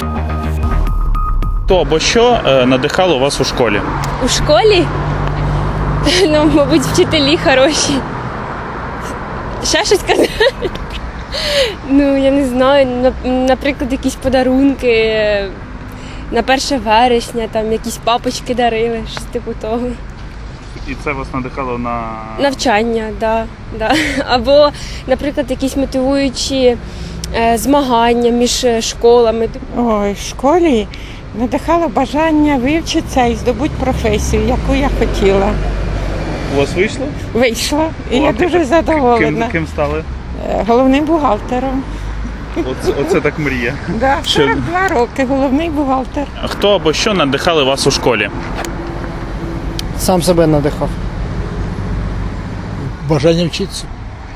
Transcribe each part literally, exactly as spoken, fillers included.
Хто або що е, надихало вас у школі? У школі? Ну, мабуть, вчителі хороші. Ще щось казати? Ну, я не знаю, наприклад, якісь подарунки на перше вересня, там якісь папочки дарили, щось типу того. І це вас надихало на Навчання, да, да. Або, наприклад, якісь мотивуючі е, змагання між школами. Ой, в школі надихало бажання вивчитися і здобути професію, яку я хотіла. У вас вийшло? Вийшла, і О, я а дуже ким, задоволена. ким стали? Е, Головним бухгалтером. Оце, оце так мрія. Да, Що? сорок два роки, головний бухгалтер. Хто або що надихали вас у школі? Сам себе надихав. Бажання вчитися.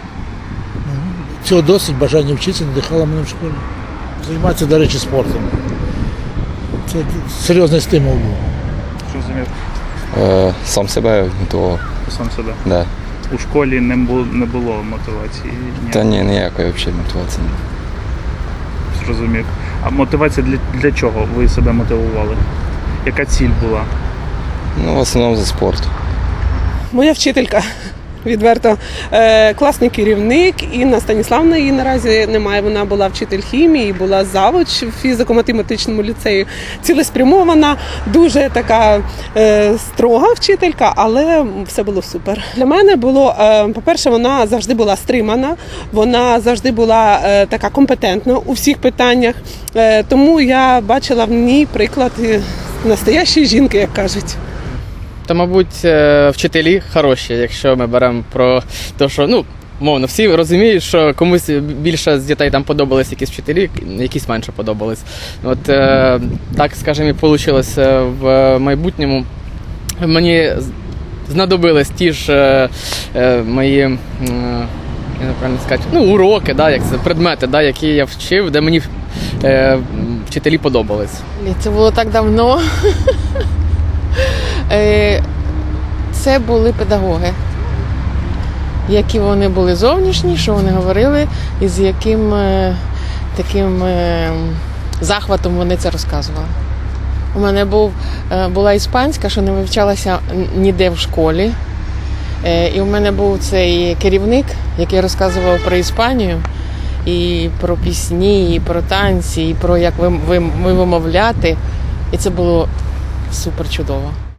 Цього досить, бажання вчитися надихало мене в школі. Займатися, до речі, спортом. Це серйозний стимул був. Зрозумів. Е, сам себе мотивував. Сам себе. Да. У школі не було, не було мотивації? Ні. Та ні, ніякої взагалі мотивації. Зрозумів. А мотивація для, для чого ви себе мотивували? Яка ціль була? Ну, в основному за спорт. Моя вчителька, відверто, е, класний керівник. Інна Станіславна її наразі немає. Вона була вчитель хімії, була завуч в фізико-математичному ліцеї. Цілеспрямована, дуже така е, строга вчителька, але все було супер. Для мене було, е, по-перше, вона завжди була стримана, вона завжди була е, така компетентна у всіх питаннях. Е, тому я бачила в ній приклад е, настоящої жінки, як кажуть. Та, мабуть, е, вчителі хороші, якщо ми беремо про те, що, ну, мовно, всі розуміють, що комусь більше з дітей там подобались якісь вчителі, якісь менше подобались. От е, так, скажімо, і вийшло в майбутньому. Мені знадобились ті ж е, е, мої, е, я не правильно сказати, ну, уроки, да, як це, предмети, да, які я вчив, де мені е, вчителі подобались. Це було так давно. Це були педагоги. Які вони були зовнішні, що вони говорили, і з яким таким захватом вони це розказували. У мене був, була іспанська, що не вивчалася ніде в школі. І у мене був цей керівник, який розказував про Іспанію, і про пісні, і про танці, і про як вимовляти. І це було супер чудово.